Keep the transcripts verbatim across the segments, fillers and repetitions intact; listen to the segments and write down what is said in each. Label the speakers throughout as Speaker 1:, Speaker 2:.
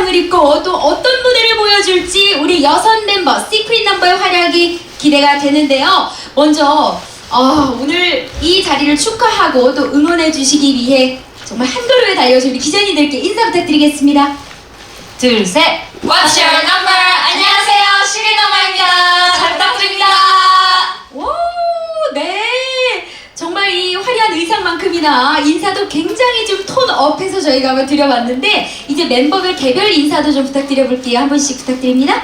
Speaker 1: 의상을 입고 또 어떤 무대를 보여줄지 우리 여섯 멤버 시크릿 넘버의 활약이 기대가 되는데요. 먼저 어, 오늘 이 자리를 축하하고 또 응원해 주시기 위해 정말 한 걸음에 달려서 우리 기자님들께 인사 부탁드리겠습니다. 둘, 셋!
Speaker 2: What's your number? 안녕하세요, 시크릿 넘버입니다. 잘 부탁드립니다.
Speaker 1: 오, 네. 정말 이 화려한 의상만큼이나 인사도 굉장히 좀 톤업해서 저희가 한번 드려봤는데 이제 멤버별 개별 인사도 좀 부탁드려볼게요. 한 분씩 부탁드립니다.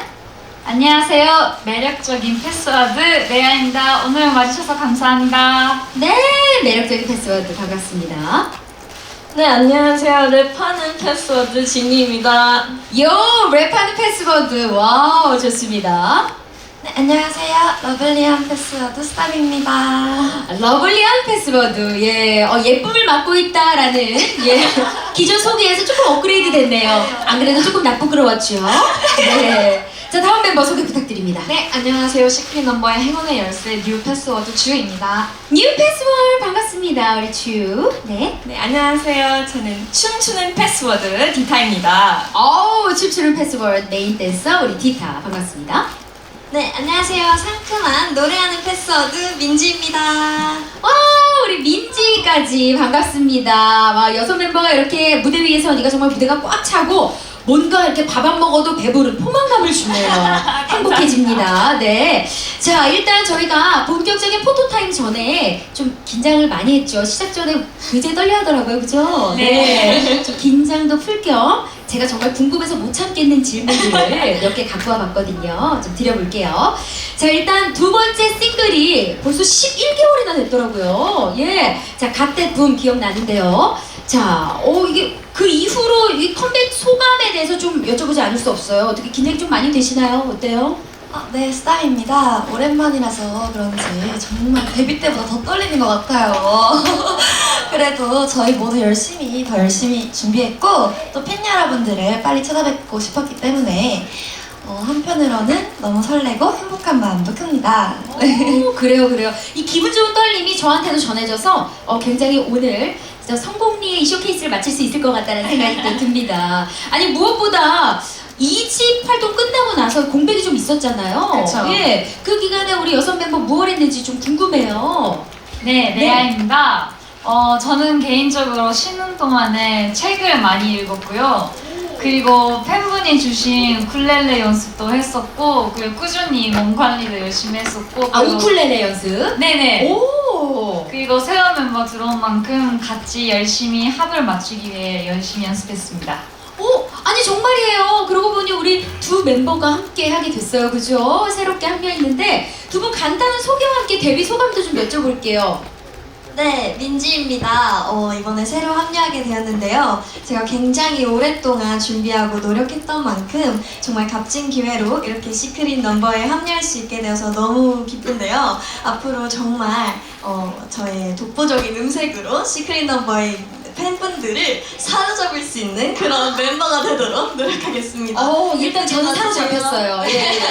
Speaker 2: 안녕하세요, 매력적인 패스워드 레아입니다. 오늘 와주셔서 감사합니다.
Speaker 1: 네, 매력적인 패스워드 반갑습니다.
Speaker 2: 네, 안녕하세요, 랩하는 패스워드 진이입니다.
Speaker 1: 요, 랩하는 패스워드. 와우, 좋습니다.
Speaker 3: 네, 안녕하세요. 러블리한 패스워드 스탑입니다.
Speaker 1: 러블리한 패스워드. 예, 어, 예쁨을 맡고 있다라는 예, 기존 소개에서 조금 업그레이드 됐네요. 안 그래도 조금 나쁘끄러웠죠. 네. 자, 다음 멤버 소개 부탁드립니다.
Speaker 2: 네, 안녕하세요, 시크릿 넘버의 행운의 열쇠 뉴 패스워드 주입니다.
Speaker 1: 뉴 패스워드 반갑습니다. 우리 주. 네.
Speaker 2: 네, 안녕하세요. 저는 춤추는 패스워드 디타입니다.
Speaker 1: 어우, 춤추는 패스워드 메인 댄서 우리 디타 반갑습니다.
Speaker 3: 네, 안녕하세요. 상큼한 노래하는 패스워드 민지입니다.
Speaker 1: 와, 우리 민지까지 반갑습니다. 와, 여섯 멤버가 이렇게 무대 위에 서니까 정말 무대가 꽉 차고 뭔가 이렇게 밥 안 먹어도 배부른 포만감을 주네요. 행복해집니다. 네. 자, 일단 저희가 본격적인 포토타임 전에 좀 긴장을 많이 했죠. 시작 전에 굉장히 떨려 하더라고요. 그죠?
Speaker 2: 네.
Speaker 1: 좀 긴장도 풀 겸 제가 정말 궁금해서 못 참겠는 질문들을 몇 개 갖고 와봤거든요. 좀 드려볼게요. 자, 일단 두 번째 싱글이 벌써 십일 개월이나 됐더라고요. 예. 자, 갓댓 붐 기억나는데요. 자, 어, 이게 그 이후로 이 컴백 소감에 대해서 좀 여쭤보지 않을 수 없어요. 어떻게 기획 좀 많이 되시나요? 어때요?
Speaker 3: 아, 네, 스탑입니다. 오랜만이라서 그런지 정말 데뷔 때보다 더 떨리는 것 같아요. 그래도 저희 모두 열심히, 더 열심히 준비했고 또 팬 여러분들을 빨리 찾아뵙고 싶었기 때문에 어, 한편으로는 너무 설레고 행복한 마음도 큽니다.
Speaker 1: 오, 그래요, 그래요. 이 기분 좋은 떨림이 저한테도 전해져서 어, 굉장히 오늘 진짜 성공리에 이 쇼케이스를 마칠 수 있을 것 같다는 생각이 또 듭니다. 아니, 무엇보다 이 집 활동 끝나고 나서 공백이 좀 있었잖아요.
Speaker 2: 그쵸.
Speaker 1: 예, 그 기간에 우리 여섯 멤버 무엇 했는지 좀 궁금해요.
Speaker 2: 네, 레아입니다. 어, 저는 개인적으로 쉬는 동안에 책을 많이 읽었고요. 그리고 팬분이 주신 우쿨렐레 연습도 했었고, 그리고 꾸준히 몸 관리도 열심히 했었고.
Speaker 1: 아,
Speaker 2: 그리고-
Speaker 1: 우쿨렐레 연습?
Speaker 2: 네네.
Speaker 1: 오!
Speaker 2: 그리고 새로운 멤버 들어온 만큼 같이 열심히 합을 맞추기 위해 열심히 연습했습니다.
Speaker 1: 오, 아니 정말이에요. 그러고 보니 우리 두 멤버가 함께 하게 됐어요. 그죠? 새롭게 합류했는데 두 분 간단한 소개와 함께 데뷔 소감도 좀 여쭤볼게요.
Speaker 3: 네, 민지입니다. 어, 이번에 새로 합류하게 되었는데요. 제가 굉장히 오랫동안 준비하고 노력했던 만큼 정말 값진 기회로 이렇게 시크릿 넘버에 합류할 수 있게 되어서 너무 기쁜데요. 앞으로 정말 어, 저의 독보적인 음색으로 시크릿 넘버의 팬분들을 사로잡을 수 있는 그런 멤버가 되도록 노력하겠습니다.
Speaker 1: 어, 일단 저는 사로잡혔어요. 예, 예, 예.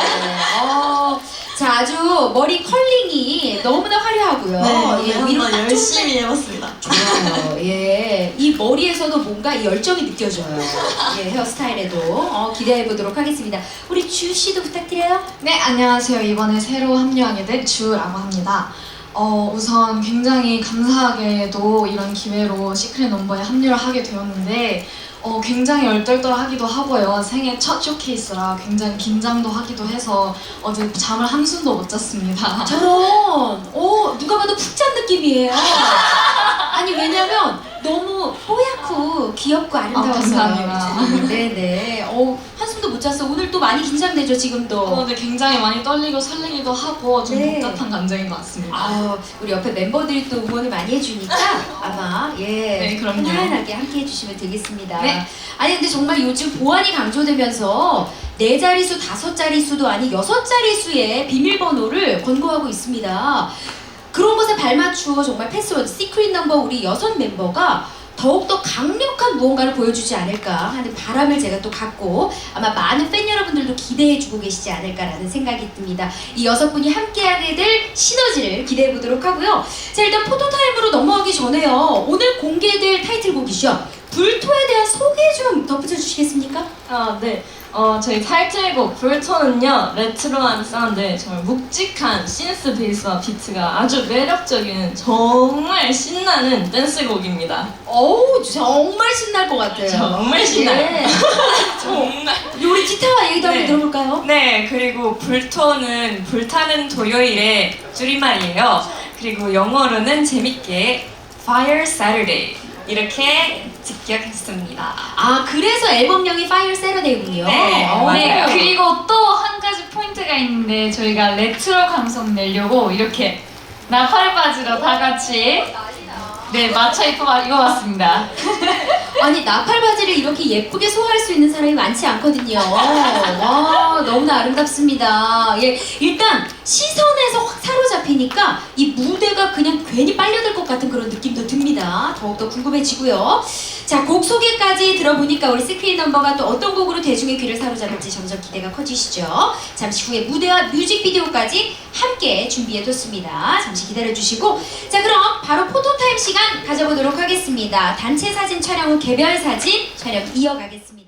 Speaker 1: 어, 자, 아주 머리 컬링이 너무나 화려하고요.
Speaker 3: 네,
Speaker 1: 예, 위로
Speaker 3: 한번
Speaker 1: 딱
Speaker 3: 열심히 해봤습니다.
Speaker 1: 좋아요. 예, 이 머리에서도 뭔가 이 열정이 느껴져요. 예, 헤어스타일에도 어, 기대해 보도록 하겠습니다. 우리 주 씨도 부탁드려요.
Speaker 4: 네, 안녕하세요. 이번에 새로 합류하게 된 주라고 합니다. 어, 우선 굉장히 감사하게도 이런 기회로 시크릿 넘버에 합류를 하게 되었는데 어, 굉장히 얼떨떨하기도 하고요. 생애 첫 쇼케이스라 굉장히 긴장도 하기도 해서 어제 잠을 한숨도 못 잤습니다.
Speaker 1: 저런, 오, 누가 봐도 푹 잔 느낌이에요. 아니, 왜냐면 너무 뽀얗고 귀엽고 아름다워서.
Speaker 4: 아, 감사합니다.
Speaker 1: 네네. 어, 한숨도 못 잤어. 오늘 또 많이 긴장되죠, 지금도.
Speaker 4: 어, 네, 굉장히 많이 떨리고 설레기도 하고 좀
Speaker 1: 네.
Speaker 4: 복잡한 감정인 것 같습니다.
Speaker 1: 아, 우리 옆에 멤버들이 또 응원을 많이 해주니까 아마 예,
Speaker 4: 네, 그럼요.
Speaker 1: 편안하게 함께 해주시면 되겠습니다.
Speaker 4: 네.
Speaker 1: 아니 근데 정말 요즘 보안이 강조되면서 네 자릿수, 다섯 자릿수도 아닌 여섯 자릿수의 비밀번호를 권고하고 있습니다. 그런 것에 발맞추어 정말 패스워드, 시크릿 넘버 우리 여섯 멤버가 더욱더 강력한 무언가를 보여주지 않을까 하는 바람을 제가 또 갖고 아마 많은 팬 여러분들도 기대해주고 계시지 않을까라는 생각이 듭니다. 이 여섯 분이 함께하게 될 시너지를 기대해 보도록 하고요. 자, 일단 포토타임으로 넘어가기 전에요. 오늘 공개될 타이틀곡이죠. 불토에 대한 소개 좀 덧붙여 주시겠습니까?
Speaker 5: 아, 네. 어, 저희 타이틀곡 불토는요, 레트로한 사운드, 정말 묵직한 신스 베이스와 비트가 아주 매력적인 정말 신나는 댄스곡입니다.
Speaker 1: 어우, 정말 신날 것 같아요.
Speaker 5: 정말 신나요.
Speaker 1: 예.
Speaker 5: 정말.
Speaker 1: 우리 기타와 얘기도 한번
Speaker 5: 네.
Speaker 1: 들어볼까요?
Speaker 5: 네, 그리고 불토는 불타는 토요일의 줄임말이에요. 그리고 영어로는 재밌게 Fire Saturday 이렇게 직역했습니다.
Speaker 1: 아, 그래서 앨범명이 Fire Saturday군요.
Speaker 5: 네,
Speaker 1: 어,
Speaker 5: 맞아요.
Speaker 2: 네, 그리고 또 한 가지 포인트가 있는데 저희가 레트로 감성 내려고 이렇게 나팔 바지로 다 같이 네 맞춰 입고 입어봤습니다.
Speaker 1: 아니, 나팔 바지를 이렇게 예쁘게 소화할 수 있는 사람이 많지 않거든요. 와, 너무나 아름답습니다. 예, 일단 시선에서 확 사로잡히니까 이 무대가 그냥 괜히 빨려들 것 같은 그런 느낌도 듭니다. 더욱더 궁금해지고요. 자, 곡 소개까지 들어보니까 우리 시크릿 넘버가 또 어떤 곡으로 대중의 귀를 사로잡을지 점점 기대가 커지시죠. 잠시 후에 무대와 뮤직비디오까지 함께 준비해뒀습니다. 잠시 기다려주시고, 자, 그럼 바로 포토타임 시간 가져보도록 하겠습니다. 단체 사진 촬영 후 개별 사진 촬영 이어가겠습니다.